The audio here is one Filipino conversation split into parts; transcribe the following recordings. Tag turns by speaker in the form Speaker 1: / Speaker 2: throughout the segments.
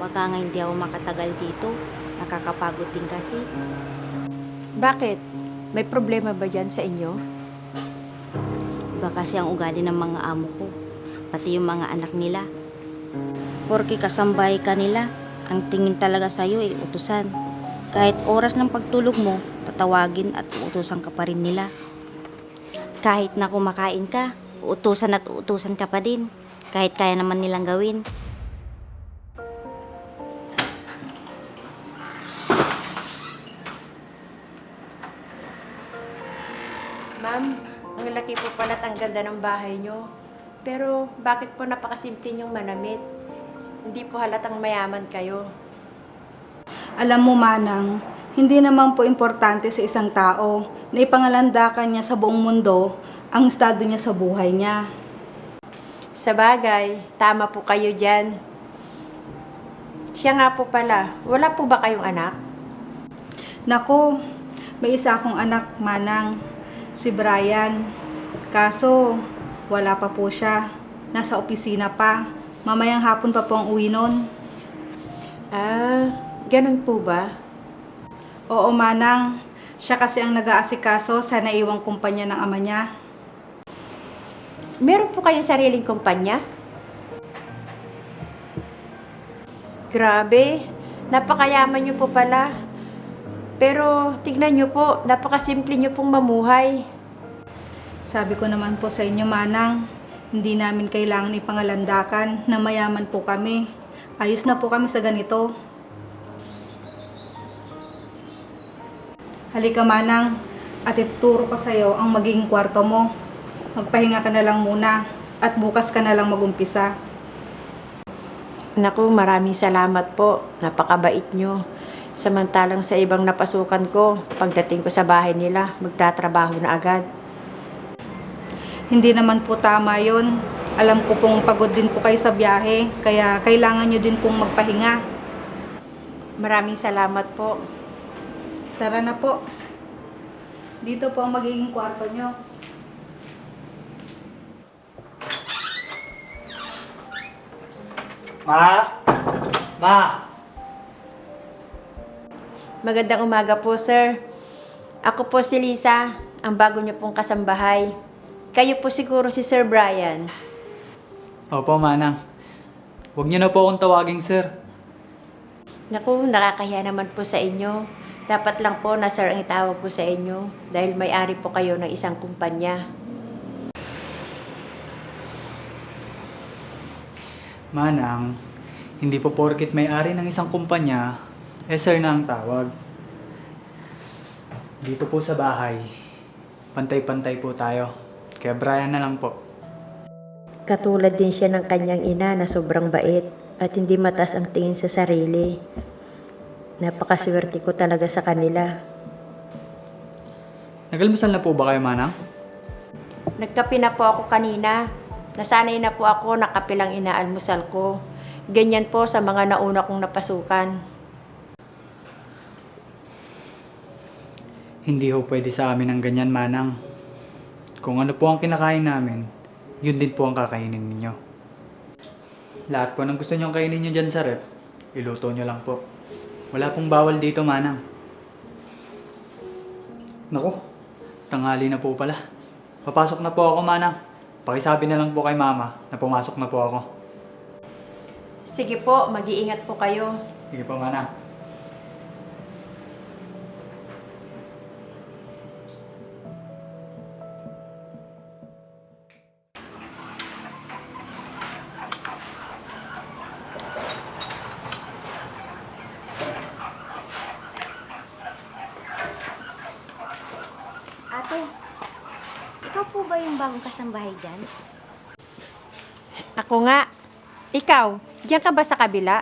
Speaker 1: Baka nga hindi ako makatagal dito. Nakakapagod din kasi.
Speaker 2: Bakit? May problema ba dyan sa inyo?
Speaker 1: Iba kasi ang ugali ng mga amo ko. Pati yung mga anak nila. Porke kasambahay ka nila, ang tingin talaga sa'yo ay utusan. Kahit oras ng pagtulog mo, tatawagin at uutusan ka pa rin nila. Kahit na kumakain ka, uutusan at uutusan ka pa din. Kahit kaya naman nilang gawin.
Speaker 2: Ma'am, ang laki po pala at ang ganda ng bahay nyo. Pero bakit po napakasimple yung manamit? Hindi po halatang mayaman kayo.
Speaker 3: Alam mo, Manang, hindi naman po importante sa isang tao na ipangalandakan niya sa buong mundo ang estado niya sa buhay niya.
Speaker 2: Sa bagay, tama po kayo dyan. Siya nga po pala, wala po ba kayong anak?
Speaker 3: Nako, may isa akong anak, Manang, si Brian. Kaso, wala pa po siya. Nasa opisina pa. Mamayang hapon pa po ang uwi nun.
Speaker 2: Ah, ganun po ba?
Speaker 3: Oo, Manang. Siya kasi ang nag-aasikaso sa naiwang kumpanya ng ama niya.
Speaker 2: Meron po kayong sariling kumpanya? Grabe, napakayaman niyo po pala. Pero tignan niyo po, napakasimple niyo pong mamuhay.
Speaker 3: Sabi ko naman po sa inyo, Manang, hindi namin kailangan ipangalandakan na mayaman po kami. Ayos na po kami sa ganito. Halika, Manang, at ituturo ko sa iyo ang magiging kwarto mo. Magpahinga ka na lang muna at bukas ka na lang magumpisa.
Speaker 2: Naku, maraming salamat po. Napakabait niyo. Samantalang sa ibang napasukan ko, pagdating ko sa bahay nila, magtatrabaho na agad.
Speaker 3: Hindi naman po tama yon. Alam ko pong pagod din po kayo sa biyahe, kaya kailangan nyo din pong magpahinga.
Speaker 2: Maraming salamat po.
Speaker 3: Tara na po. Dito po ang magiging kwarto nyo.
Speaker 4: Ma? Ma?
Speaker 2: Magandang umaga po, sir. Ako po si Lisa, ang bago niyo pong kasambahay. Kayo po siguro si Sir Brian.
Speaker 4: Opo, Manang. Huwag niyo na po akong tawaging sir.
Speaker 2: Naku, nakakahiya naman po sa inyo. Dapat lang po na sir ang itawag ko sa inyo dahil may-ari po kayo ng isang kumpanya.
Speaker 4: Manang, hindi po porkit may-ari ng isang kumpanya, sir na ang tawag. Dito po sa bahay, pantay-pantay po tayo. Kaya Brian na lang po.
Speaker 2: Katulad din siya ng kanyang ina na sobrang bait at hindi mataas ang tingin sa sarili. Napakaswerte ko talaga sa kanila.
Speaker 4: Nagalmusal na po ba kayo, Manang?
Speaker 2: Nagkape na po ako kanina. Nasanay na po ako na kape lang inaalmusal ko. Ganyan po sa mga nauna kong napasukan.
Speaker 4: Hindi ho pwede sa amin ang ganyan, Manang. Kung ano po ang kinakain namin, yun din po ang kakainin ninyo. Lahat po ng gusto nyong kainin nyo dyan sa rep, iluto nyo lang po. Wala pong bawal dito, Manang. Naku, tanghali na po pala. Papasok na po ako, Manang. Pakisabi na lang po kay Mama na pumasok na po ako.
Speaker 2: Sige po, mag-iingat po kayo.
Speaker 4: Sige po, Manang.
Speaker 1: Ate, ikaw po ba yung bagong kasambahay dyan?
Speaker 2: Ako nga. Ikaw, diyan ka ba sa kabila?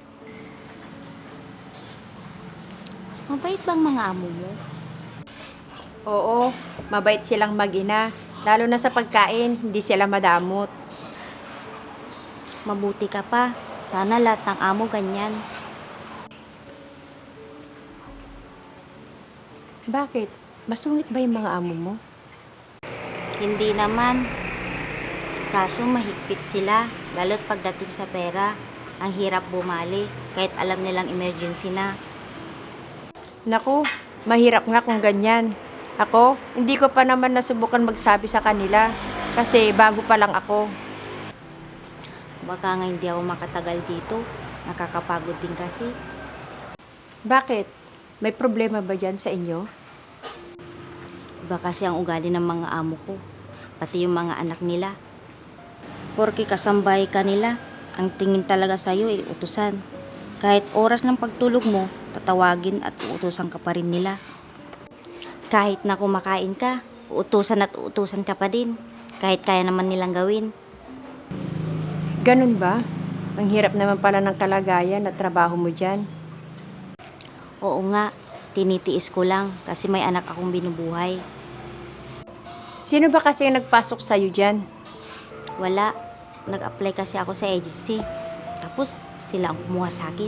Speaker 1: Mabait bang mga amo mo?
Speaker 2: Oo, mabait silang mag-ina. Lalo na sa pagkain, hindi sila madamot.
Speaker 1: Mabuti ka pa. Sana lahat ng amo ganyan.
Speaker 2: Bakit? Masungit ba yung mga amo mo?
Speaker 1: Hindi naman. Kaso mahigpit sila, lalo't pagdating sa pera. ang hirap bumali kahit alam nilang emergency na.
Speaker 2: Naku, mahirap nga kung ganyan. Ako, hindi ko pa naman nasubukan magsabi sa kanila kasi bago pa lang ako.
Speaker 1: Baka nga hindi ako makatagal dito. Nakakapagod din kasi.
Speaker 2: Bakit? May problema ba dyan sa inyo?
Speaker 1: Iba kasi ang ugali ng mga amo ko. Pati yung mga anak nila. Porke kasambahay ka nila, ang tingin talaga sa'yo ay utusan. Kahit oras ng pagtulog mo, tatawagin at uutusan ka pa rin nila. Kahit na kumakain ka, uutusan at uutusan ka pa din. Kahit kaya naman nilang gawin.
Speaker 2: Ganun ba? Ang hirap naman pala ng kalagayan at trabaho mo dyan.
Speaker 1: Oo nga, tinitiis ko lang kasi may anak akong binubuhay.
Speaker 2: Sino ba kasi ang nagpasok sa'yo dyan?
Speaker 1: Wala, nag-apply kasi ako sa agency. Tapos sila ang kumuha sa akin.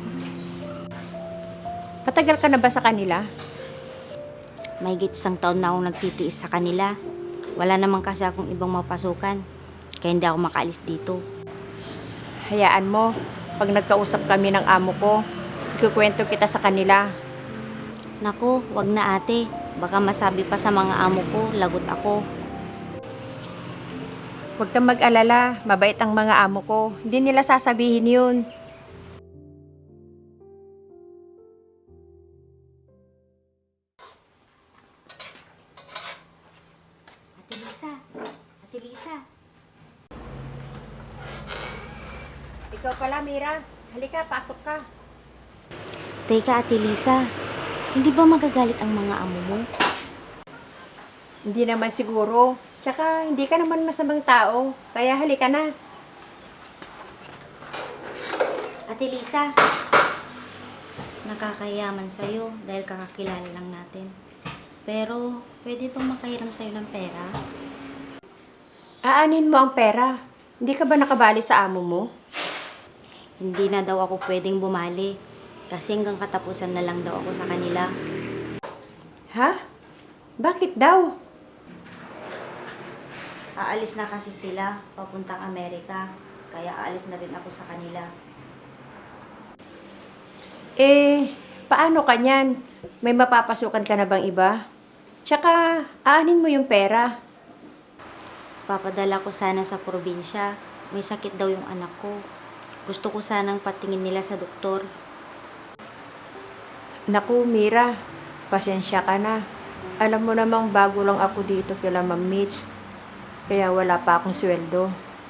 Speaker 2: Patagal ka na ba sa kanila?
Speaker 1: Mahigit 1 taon na akong nagtitiis sa kanila. Wala naman kasi akong ibang mapasukan. Kaya hindi ako makaalis dito.
Speaker 2: Hayaan mo, pag nagkausap kami ng amo ko, ikukwento kita sa kanila.
Speaker 1: Naku, wag na ate. Baka masabi pa sa mga amo ko, lagot ako.
Speaker 2: Huwag kang mag-alala, mabait ang mga amo ko. Hindi nila sasabihin yun.
Speaker 1: Ate Lisa, Ate Lisa.
Speaker 2: Ikaw pala, Mira. Halika, pasok ka.
Speaker 1: Teka Ate Lisa, hindi ba magagalit ang mga amo mo?
Speaker 2: Hindi naman siguro. Tsaka, hindi ka naman masamang tao. Kaya halika na.
Speaker 1: Ate Lisa, nakakayaman sa'yo dahil kakakilala lang natin. Pero, pwede bang makahiram sa'yo ng pera?
Speaker 2: Aanin mo ang pera. Hindi ka ba nakabali sa amo mo?
Speaker 1: Hindi na daw ako pwedeng bumali kasi hanggang katapusan na lang daw ako sa kanila.
Speaker 2: Ha? Bakit daw?
Speaker 1: Aalis na kasi sila papuntang Amerika, kaya aalis na rin ako sa kanila.
Speaker 2: Eh, paano ka niyan? May mapapasukan ka na bang iba? Tsaka, aanin mo yung pera.
Speaker 1: Papadala ko sana sa probinsya. May sakit daw yung anak ko. Gusto ko sanang patingin nila sa doktor.
Speaker 2: Naku, Mira, pasensya ka na. Alam mo namang bago lang ako dito kila Ma'am Mitch. Kaya wala pa akong sweldo.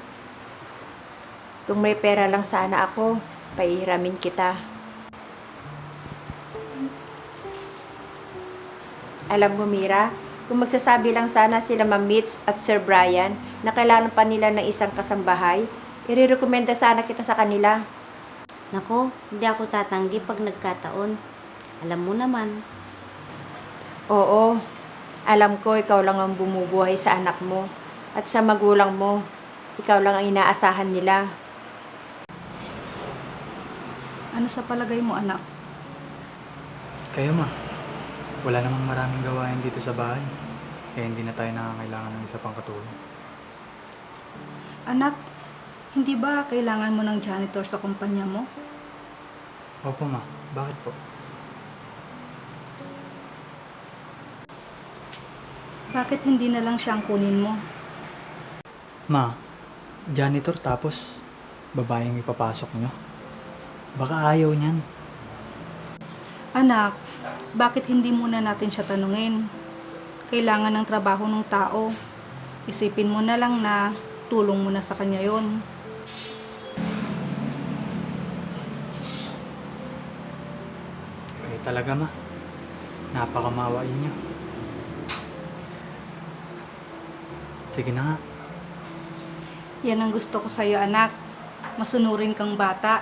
Speaker 2: Kung may pera lang sana ako, paihiramin kita. Alam mo, Mira, kung magsasabi lang sana sila Ma'am Mitch at Sir Brian na kailangan pa nila ng isang kasambahay, irerekomenda sana kita sa kanila.
Speaker 1: Nako, hindi ako tatanggi pag nagkataon. Alam mo naman.
Speaker 2: Oo, alam ko ikaw lang ang bumubuhay sa anak mo at sa magulang mo. Ikaw lang ang inaasahan nila.
Speaker 3: Ano sa palagay mo, anak?
Speaker 4: Kayo ma, wala namang maraming gawain dito sa bahay. Kaya hindi na tayo nakakailangan ng isa pang katulong.
Speaker 3: Anak, hindi ba kailangan mo ng janitor sa kumpanya mo?
Speaker 4: Opo ma, bakit po?
Speaker 3: Bakit hindi na lang siyang kunin mo?
Speaker 4: Ma, janitor tapos babaeng ipapasok nyo? Baka ayaw niyan.
Speaker 3: Anak, bakit hindi muna natin siya tanungin? Kailangan ng trabaho ng tao. Isipin mo na lang na tulong mo na sa kanya yon.
Speaker 4: Kayo talaga ma, napakamawain niyo. Sige na nga.
Speaker 3: Yan ang gusto ko sa'yo, anak. Masunurin kang bata.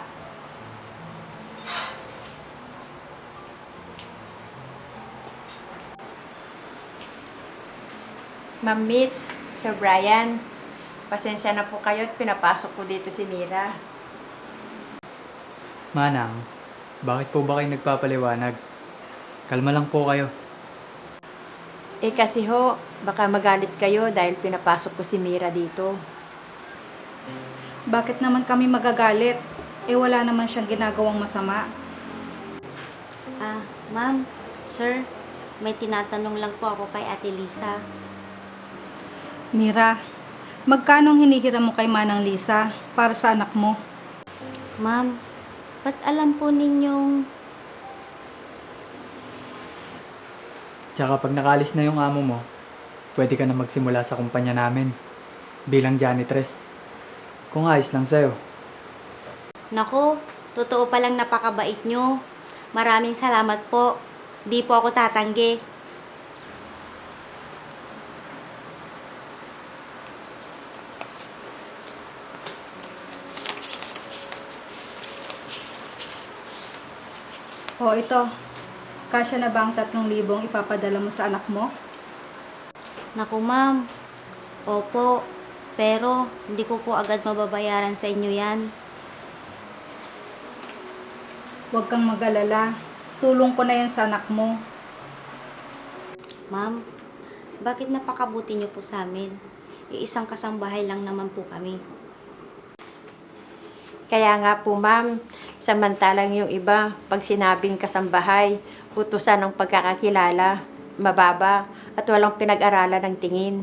Speaker 2: Ma'am Mitch, Sir Brian, pasensya na po kayo at pinapasok ko dito si Mira.
Speaker 4: Manang, bakit po ba kayo nagpapaliwanag? Kalma lang po kayo.
Speaker 2: Eh kasi ho, baka magalit kayo dahil pinapasok ko si Mira dito.
Speaker 3: Bakit naman kami magagalit? Eh wala naman siyang ginagawang masama.
Speaker 1: Ma'am, sir, may tinatanong lang po ako kay Ate Lisa.
Speaker 3: Mira, magkano ang hinihiram mo kay Manang Lisa para sa anak mo?
Speaker 1: Ma'am, ba't alam po ninyong...
Speaker 4: Tsaka pag nakalis na yung amo mo, pwede ka na magsimula sa kumpanya namin bilang janitress. Kung ayos lang sa'yo.
Speaker 1: Nako, totoo palang napakabait nyo. Maraming salamat po. Di po ako tatanggi.
Speaker 3: O ito, kasya na ba ang 3,000 ipapadala mo sa anak mo?
Speaker 1: Naku, ma'am. Opo, pero hindi ko po agad mababayaran sa inyo yan.
Speaker 3: Huwag kang mag-alala. Tulong ko na yan sa anak mo.
Speaker 1: Ma'am, bakit napakabuti niyo po sa amin? Iisang kasambahay lang naman po kami.
Speaker 2: Kaya nga po, ma'am, samantalang yung iba, pag sinabing kasambahay, utusan ng pagkakakilala, mababa, at walang pinag-aralan ng tingin.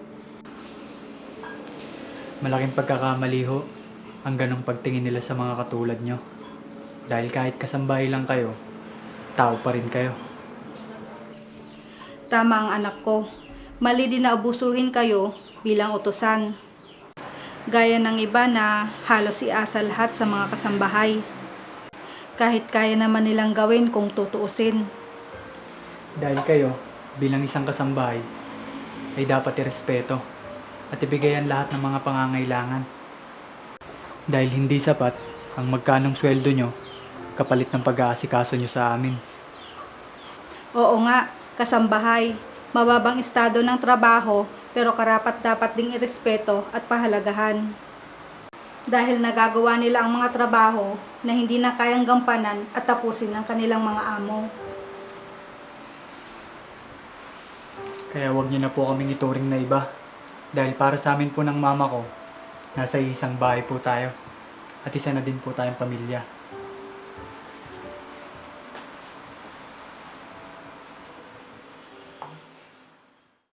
Speaker 4: Malaking pagkakamali ho ang ganong pagtingin nila sa mga katulad nyo. Dahil kahit kasambahay lang kayo, tao pa rin kayo.
Speaker 3: Tama ang anak ko. Mali din na abusuhin kayo bilang utusan. Gaya ng iba na halos iasa lahat sa mga kasambahay. Kahit kaya naman nilang gawin kung tutuusin.
Speaker 4: Dahil kayo, bilang isang kasambahay, ay dapat irespeto at ibigayan lahat ng mga pangangailangan. Dahil hindi sapat ang magkanong sweldo nyo kapalit ng pag-aasikaso nyo sa amin.
Speaker 3: Oo nga, kasambahay. Mababang estado ng trabaho pero karapat-dapat ding irespeto at pahalagahan. Dahil nagagawa nila ang mga trabaho na hindi na kayang gampanan at tapusin ng kanilang mga amo.
Speaker 4: Kaya wag nyo na po kaming ituring na iba. Dahil para sa amin po ng mama ko, nasa isang bahay po tayo. At isa na din po tayong pamilya.